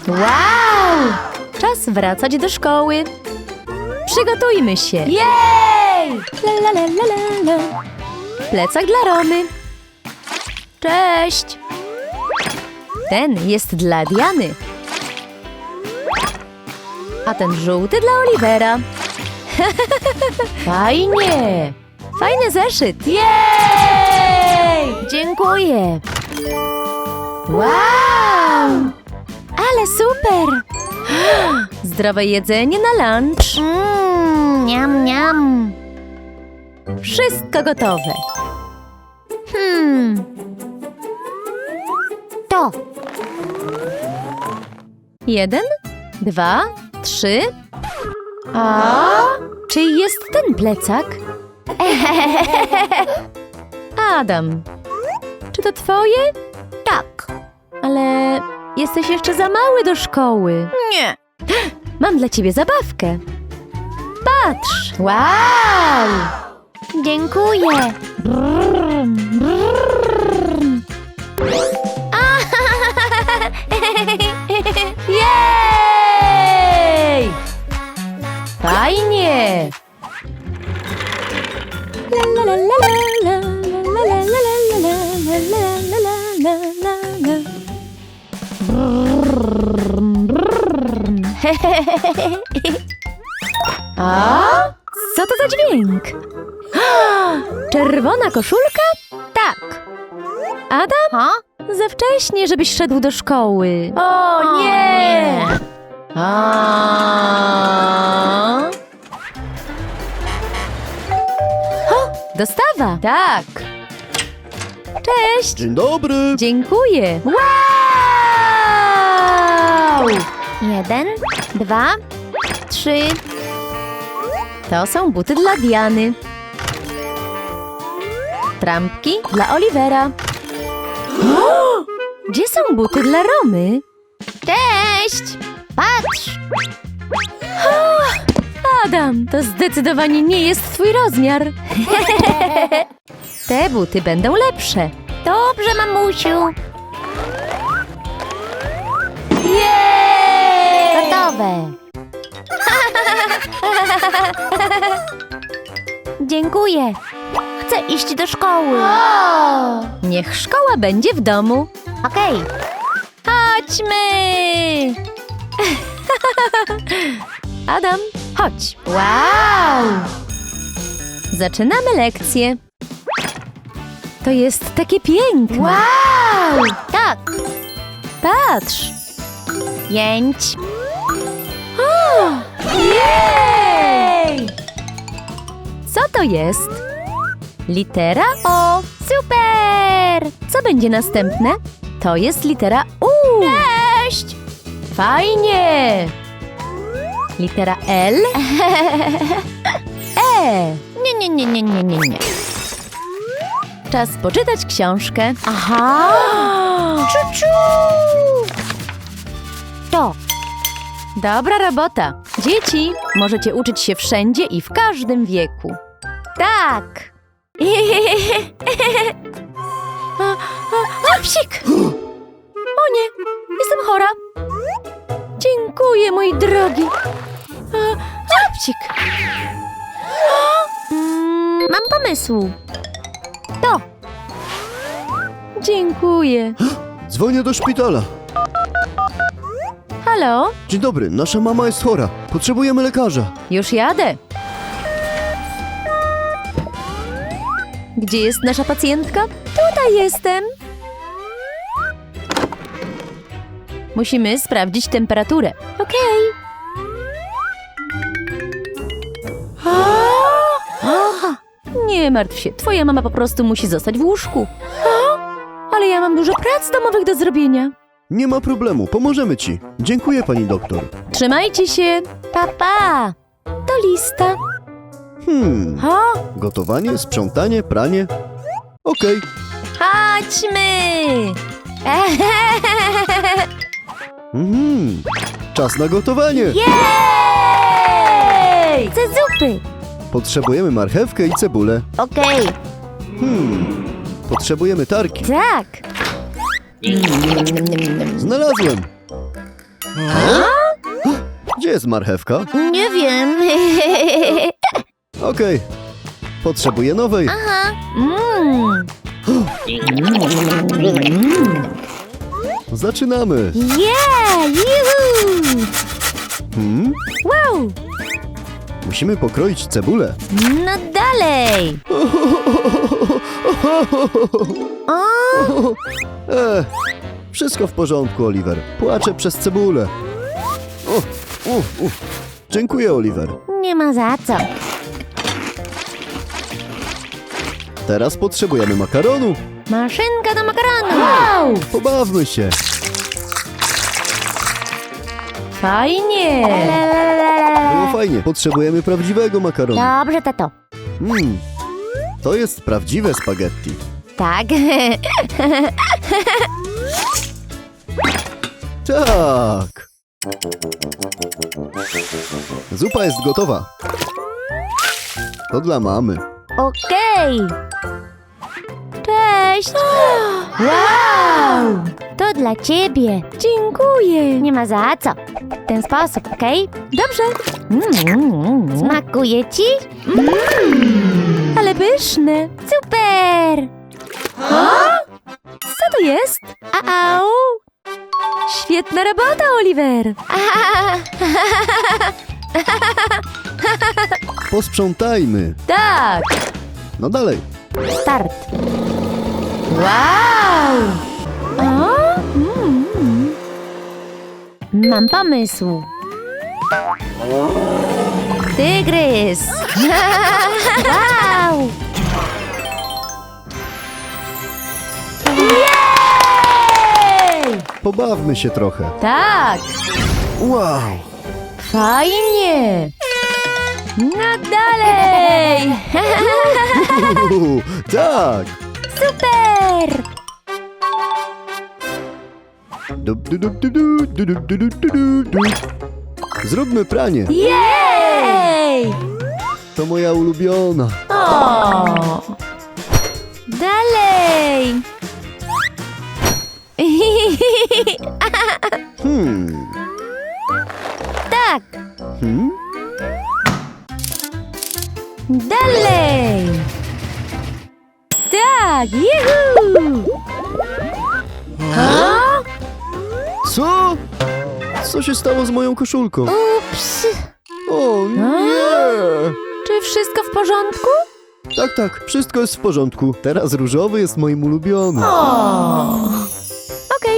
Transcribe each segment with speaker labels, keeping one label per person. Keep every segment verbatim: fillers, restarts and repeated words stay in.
Speaker 1: Wow! Czas wracać do szkoły. Przygotujmy się.
Speaker 2: Jej!
Speaker 1: La, la, la, la, la, la. Plecak dla Romy. Cześć! Ten jest dla Diany. A ten żółty dla Olivera.
Speaker 2: Fajnie!
Speaker 1: Fajny zeszyt.
Speaker 2: Jej!
Speaker 1: Dziękuję.
Speaker 2: Wow!
Speaker 1: Ale super! Zdrowe jedzenie na lunch.
Speaker 2: Mmm, niam, niam.
Speaker 1: Wszystko gotowe.
Speaker 2: Hmm. To.
Speaker 1: Jeden, dwa, trzy.
Speaker 2: A?
Speaker 1: Czyj jest ten plecak? Adam. Czy to twoje?
Speaker 2: Tak.
Speaker 1: Ale jesteś jeszcze za mały do szkoły.
Speaker 2: Nie.
Speaker 1: Mam dla ciebie zabawkę. Patrz!
Speaker 2: Wow! Dziękuję.
Speaker 1: Jej!
Speaker 2: Fajnie!
Speaker 1: La, la, la, la, la, la, la, la, la, la, la, la, la, la.
Speaker 2: A?
Speaker 1: Co to za dźwięk? Czerwona koszulka?
Speaker 2: Tak.
Speaker 1: Adam?
Speaker 2: Ha?
Speaker 1: Za wcześnie, żebyś szedł do szkoły.
Speaker 2: O nie!
Speaker 1: A? O, dostawa.
Speaker 2: Tak.
Speaker 1: Cześć.
Speaker 3: Dzień dobry!
Speaker 1: Dziękuję.
Speaker 2: Wow! Jeden, dwa, trzy.
Speaker 1: To są buty dla Diany. Trampki dla Olivera. Gdzie są buty dla Romy?
Speaker 2: Cześć! Patrz!
Speaker 1: Adam, to zdecydowanie nie jest twój rozmiar. Te buty będą lepsze.
Speaker 2: Dobrze, mamusiu.
Speaker 1: Jej!
Speaker 2: Gotowe. Dziękuję. Chcę iść do szkoły.
Speaker 1: Niech szkoła będzie w domu.
Speaker 2: Okej.
Speaker 1: Chodźmy! Adam, chodź.
Speaker 2: Wow!
Speaker 1: Zaczynamy lekcję. To jest takie piękne.
Speaker 2: Wow! Tak.
Speaker 1: Patrz.
Speaker 2: Pięć.
Speaker 1: Jej! Co to jest? Litera O.
Speaker 2: Super!
Speaker 1: Co będzie następne? To jest litera U.
Speaker 2: Cześć!
Speaker 1: Fajnie! Litera L. E.
Speaker 2: Nie, nie, nie, nie, nie, nie, nie.
Speaker 1: Czas poczytać książkę.
Speaker 2: Aha! Czu-czu! To.
Speaker 1: Dobra robota. Dzieci, możecie uczyć się wszędzie i w każdym wieku.
Speaker 2: Tak.
Speaker 1: A, a, a, psik! O nie, jestem chora. Dziękuję, mój drogi. A, a, psik.
Speaker 2: Mm, mam pomysł. To.
Speaker 1: Dziękuję.
Speaker 3: Dzwonię do szpitala.
Speaker 1: Halo?
Speaker 3: Dzień dobry, nasza mama jest chora. Potrzebujemy lekarza.
Speaker 1: Już jadę. Gdzie jest nasza pacjentka? Tutaj jestem. Musimy sprawdzić temperaturę. Okej. Okay. Nie martw się, twoja mama po prostu musi zostać w łóżku. Ale ja mam dużo prac domowych do zrobienia.
Speaker 3: Nie ma problemu, pomożemy ci. Dziękuję, pani doktor.
Speaker 1: Trzymajcie się.
Speaker 2: Pa, pa.
Speaker 1: To lista.
Speaker 3: Hmm,
Speaker 1: Ha?
Speaker 3: gotowanie, sprzątanie, pranie. Okej,
Speaker 1: Chodźmy.
Speaker 3: mhm. Czas na gotowanie.
Speaker 1: Jej!
Speaker 2: Chcę zupy.
Speaker 3: Potrzebujemy marchewkę i cebulę.
Speaker 2: Okej.
Speaker 3: Hmm, potrzebujemy tarki.
Speaker 2: Tak.
Speaker 3: Znalazłem. Gdzie jest marchewka?
Speaker 2: Nie wiem.
Speaker 3: Okej. Potrzebuję nowej.
Speaker 2: Aha.
Speaker 1: Mmm.
Speaker 3: Zaczynamy.
Speaker 2: Yeah! Juhu!
Speaker 3: Hmm?
Speaker 1: Wow.
Speaker 3: Musimy pokroić cebulę.
Speaker 2: No dalej. O,
Speaker 3: E, wszystko w porządku, Oliver. Płaczę przez cebulę. O, u, u. Dziękuję, Oliver.
Speaker 2: nie ma za co.
Speaker 3: Teraz potrzebujemy makaronu.
Speaker 2: Maszynka do makaronu.
Speaker 1: Wow.
Speaker 3: Pobawmy się.
Speaker 1: Fajnie.
Speaker 3: Było fajnie. Potrzebujemy prawdziwego makaronu.
Speaker 2: Dobrze, tato.
Speaker 3: Mm, to jest prawdziwe spaghetti.
Speaker 2: Tak.
Speaker 3: Tak. Zupa jest gotowa. To dla mamy.
Speaker 2: Okej. Cześć.
Speaker 1: Wow.
Speaker 2: To dla ciebie.
Speaker 1: Dziękuję.
Speaker 2: Nie ma za co. W ten sposób, okej?
Speaker 1: Dobrze.
Speaker 2: Smakuje ci?
Speaker 1: Ale pyszne.
Speaker 2: Super.
Speaker 1: Co to jest? Au. Świetna robota, Oliver.
Speaker 3: Posprzątajmy.
Speaker 1: Tak.
Speaker 3: No dalej.
Speaker 2: Start.
Speaker 1: Wow. O? Mm.
Speaker 2: Mam pomysł.
Speaker 1: Tygrys.
Speaker 2: Wow.
Speaker 1: Jej!
Speaker 3: Pobawmy się trochę.
Speaker 1: Tak.
Speaker 3: Wow.
Speaker 1: Fajnie. No dalej.
Speaker 3: Uhu, tak.
Speaker 2: Super.
Speaker 3: Du, du, du, du, du, du, du, du, du, du, du. Zróbmy pranie.
Speaker 1: Jej!
Speaker 3: To moja ulubiona.
Speaker 1: O! Dalej.
Speaker 3: Hmm.
Speaker 2: Tak.
Speaker 3: Hmm?
Speaker 1: Dalej. Tak, juhu! A?
Speaker 3: Co? Co się stało z moją koszulką?
Speaker 2: Ups.
Speaker 3: O nie!
Speaker 1: Czy wszystko w porządku?
Speaker 3: Tak, tak, wszystko jest w porządku. Teraz różowy jest moim ulubionym.
Speaker 1: O! Okej.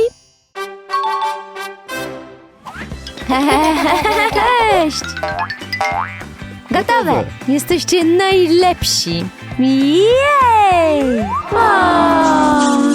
Speaker 1: Cześć! Gotowe! Jesteście najlepsi! Jej! O!